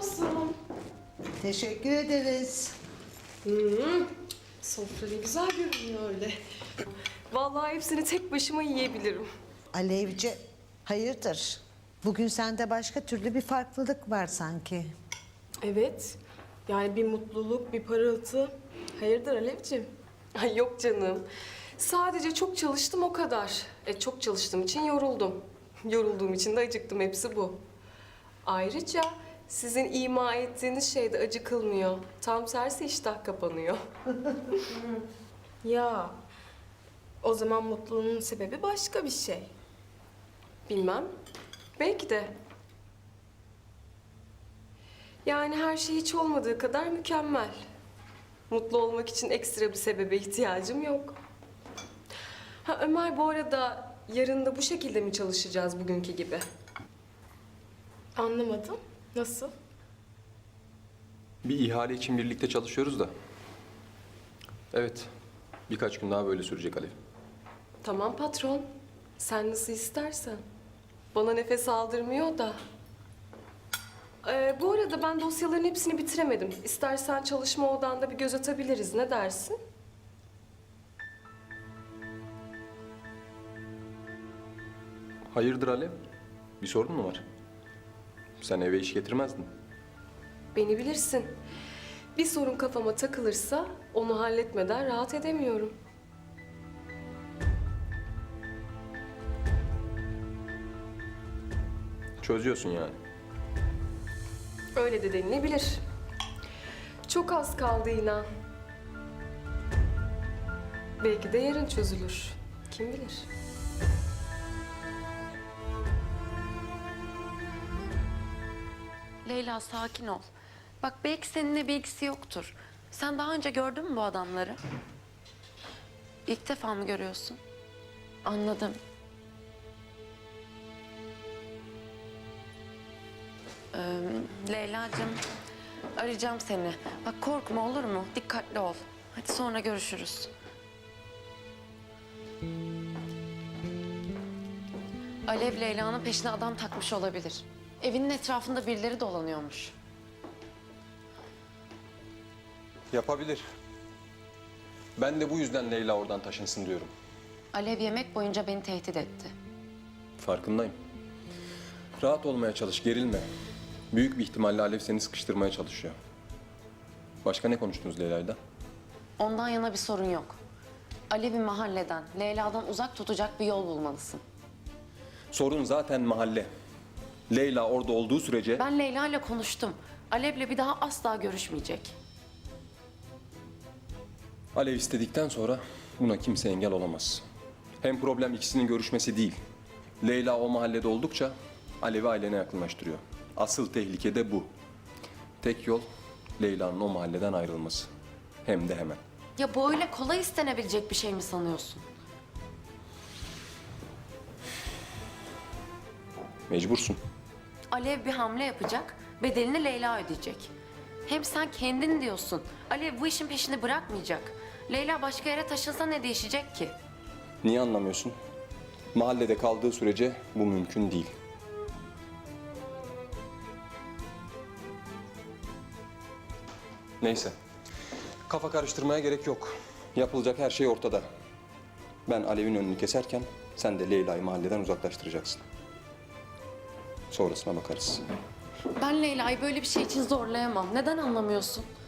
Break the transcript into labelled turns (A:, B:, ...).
A: olsun.
B: Teşekkür ederiz.
A: Sofra ne güzel görünüyor öyle. Vallahi hepsini tek başıma yiyebilirim.
B: Alevci, hayırdır? Bugün sende başka türlü bir farklılık var sanki.
A: Evet. Yani bir mutluluk, bir parıltı. Hayırdır Alevciğim? Ay yok canım. Sadece çok çalıştım o kadar. Çok çalıştığım için yoruldum. Yorulduğum için de acıktım. Hepsi bu. Ayrıca sizin ima ettiğiniz şeyde acıkılmıyor. Tam tersi iştah kapanıyor. Ya o zaman mutluluğun sebebi başka bir şey. Bilmem. Belki de. Yani her şey hiç olmadığı kadar mükemmel. Mutlu olmak için ekstra bir sebebe ihtiyacım yok. Ha Ömer, bu arada yarın da bu şekilde mi çalışacağız bugünkü gibi? Anlamadım. Nasıl?
C: Bir ihale için birlikte çalışıyoruz da. Evet, birkaç gün daha böyle sürecek Alev.
A: Tamam patron. Sen nasıl istersen. Bana nefes aldırmıyor da. Bu arada ben dosyaların hepsini bitiremedim. İstersen çalışma odanda bir göz atabiliriz. Ne dersin?
C: Hayırdır Alev? Bir sorun mu var? Sen eve iş getirmezdin.
A: Beni bilirsin. Bir sorun kafama takılırsa onu halletmeden rahat edemiyorum.
C: Çözüyorsun yani.
A: Öyle de denilebilir. Çok az kaldı inan. Belki de yarın çözülür. Kim bilir?
D: Leyla sakin ol. Bak belki seninle bir ilgisi yoktur. Sen daha önce gördün mü bu adamları? İlk defa mı görüyorsun? Anladım. Leyla'cığım arayacağım seni. Bak korkma olur mu? Dikkatli ol. Hadi sonra görüşürüz. Alev Leyla'nın peşine adam takmış olabilir. Evinin etrafında birileri dolanıyormuş.
C: Yapabilir. Ben de bu yüzden Leyla oradan taşınsın diyorum.
D: Alev yemek boyunca beni tehdit etti.
C: Farkındayım. Rahat olmaya çalış, gerilme. Büyük bir ihtimalle Alev seni sıkıştırmaya çalışıyor. Başka ne konuştunuz Leyla'yla?
D: Ondan yana bir sorun yok. Alev'i mahalleden, Leyla'dan uzak tutacak bir yol bulmalısın.
C: Sorun zaten mahalle. Leyla orada olduğu sürece...
D: Ben Leyla ile konuştum. Alev'le bir daha asla görüşmeyecek.
C: Alev istedikten sonra buna kimse engel olamaz. Hem problem ikisinin görüşmesi değil. Leyla o mahallede oldukça Alev'i ailene yakınlaştırıyor. Asıl tehlike de bu. Tek yol Leyla'nın o mahalleden ayrılması. Hem de hemen.
D: Ya bu öyle kolay istenebilecek bir şey mi sanıyorsun?
C: Mecbursun.
D: Alev bir hamle yapacak, bedelini Leyla ödeyecek. Hem sen kendin diyorsun. Alev bu işin peşini bırakmayacak. Leyla başka yere taşınsa ne değişecek ki?
C: Niye anlamıyorsun? Mahallede kaldığı sürece bu mümkün değil. Neyse. Kafa karıştırmaya gerek yok. Yapılacak her şey ortada. Ben Alev'in önünü keserken sen de Leyla'yı mahalleden uzaklaştıracaksın. Sonrasına bakarız.
D: Ben Leyla'yı böyle bir şey için zorlayamam. Neden anlamıyorsun?